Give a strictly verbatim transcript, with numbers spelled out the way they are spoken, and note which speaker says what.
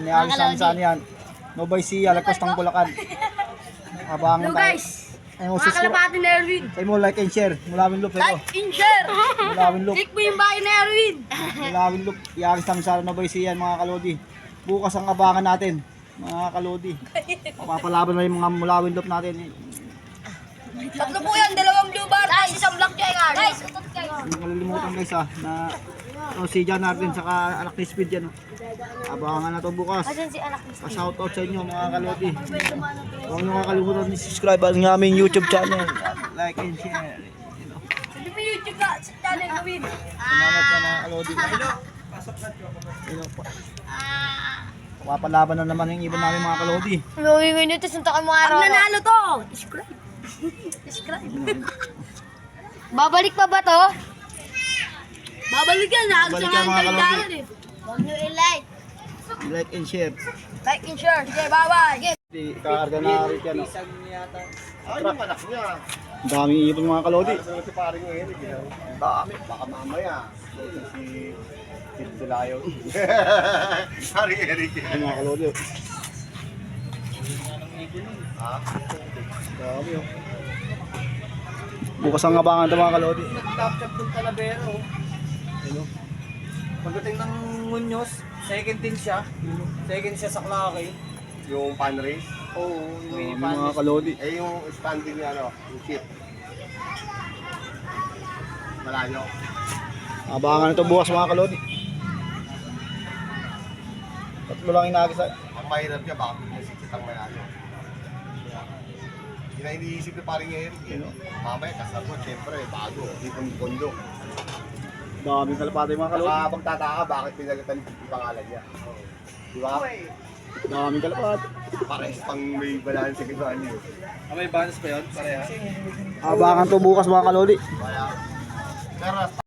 Speaker 1: Niagis namin saan yan. Nobay siya, lagpas ng Bulacan. Abangan
Speaker 2: Hello
Speaker 1: tayo.
Speaker 2: guys!
Speaker 1: Ayun,
Speaker 2: Mga
Speaker 1: subscribe.
Speaker 2: kalapati na Erwin!
Speaker 1: Say mo, like and share. Mulawin loop, ito.
Speaker 2: Like and share!
Speaker 1: Mulawin loop.
Speaker 2: Click mo yung bahay na Erwin!
Speaker 1: Mulawin loop. Iagis namin saan Nobay siya yan, mga kalodi. Bukas ang abangan natin, mga kalodi. Papapalaban na yung mga mulawin loop natin.
Speaker 2: Tatlo po yan, dalawang blue bar, guys, isang black jacket. Guys, utot kayo.
Speaker 1: Hindi kalilimutan guys ha, na oh, si John Arden saka anak ni Speed yan. Oh. Abangan na to bukas.
Speaker 2: Asan si anak ni
Speaker 1: Pa-shout out sa inyo mga kalodi. Huwag nyo kakalimutan ni subscribe ang aming YouTube channel. Like and share. You know.
Speaker 2: Sabi mo YouTube ka, sa channel Erwin.
Speaker 1: Salamat sa mga kalodi. You know, pa- Papalaban na naman yung iba namin mga kalodi.
Speaker 2: May minutes, sunta ka mga araw. Pag nanalo to, subscribe. Subscribe. Babalik pa ba to? Babalik yan,
Speaker 1: Babalik
Speaker 2: naagsa
Speaker 1: yan,
Speaker 2: nga ang
Speaker 1: mga kalodi.
Speaker 2: kaligtaran eh. Huwag nyo i-like.
Speaker 1: Like and share.
Speaker 2: Like and share. Sige, bye-bye. Sige.
Speaker 1: Di kakarga na rin yan. Oh.
Speaker 3: Ay, yung anak niya.
Speaker 1: Ang daming ipon mga kalodi.
Speaker 3: Ano si paring Eric? eh. Ang dami, baka mamaya. Si si Silayo. Paring Eric.
Speaker 1: Ay, mga kalodi. Oh.
Speaker 3: Ha?
Speaker 1: Dami oh. Bukas ang abangan ito mga kalodi.
Speaker 4: Nag-top-top ng Talavero.
Speaker 1: Ano?
Speaker 4: Pagdating ng Muñoz, second din siya. Second siya sa Clarke.
Speaker 3: Yung pan race.
Speaker 4: Oo, yung
Speaker 1: Dami
Speaker 4: mini
Speaker 1: mga
Speaker 4: pan.
Speaker 1: kalodi.
Speaker 3: Eh, yung standing niya, ano, yung chip. Malayo.
Speaker 1: Abangan ito bukas mga kalodi. Tatlo lang inagis sa...
Speaker 3: Ang mahirap niya, baka pinasiksit ang malayo. Hindi na iniisip ni paring Eric. Eh, no? Mamaya, kasabot, siyempre, bago. Hindi pong kondo.
Speaker 1: Daming kalapati mga kalodi.
Speaker 3: Saka magtataka, bakit pinagatan yung pangalan niya. Di ba?
Speaker 1: Daming kalapati.
Speaker 3: Pares pang may balance sa kinuha niyo.
Speaker 4: Ah, may bonus pa yun? Pareha?
Speaker 1: Abangan to bukas mga kalodi.
Speaker 3: Kaya, pero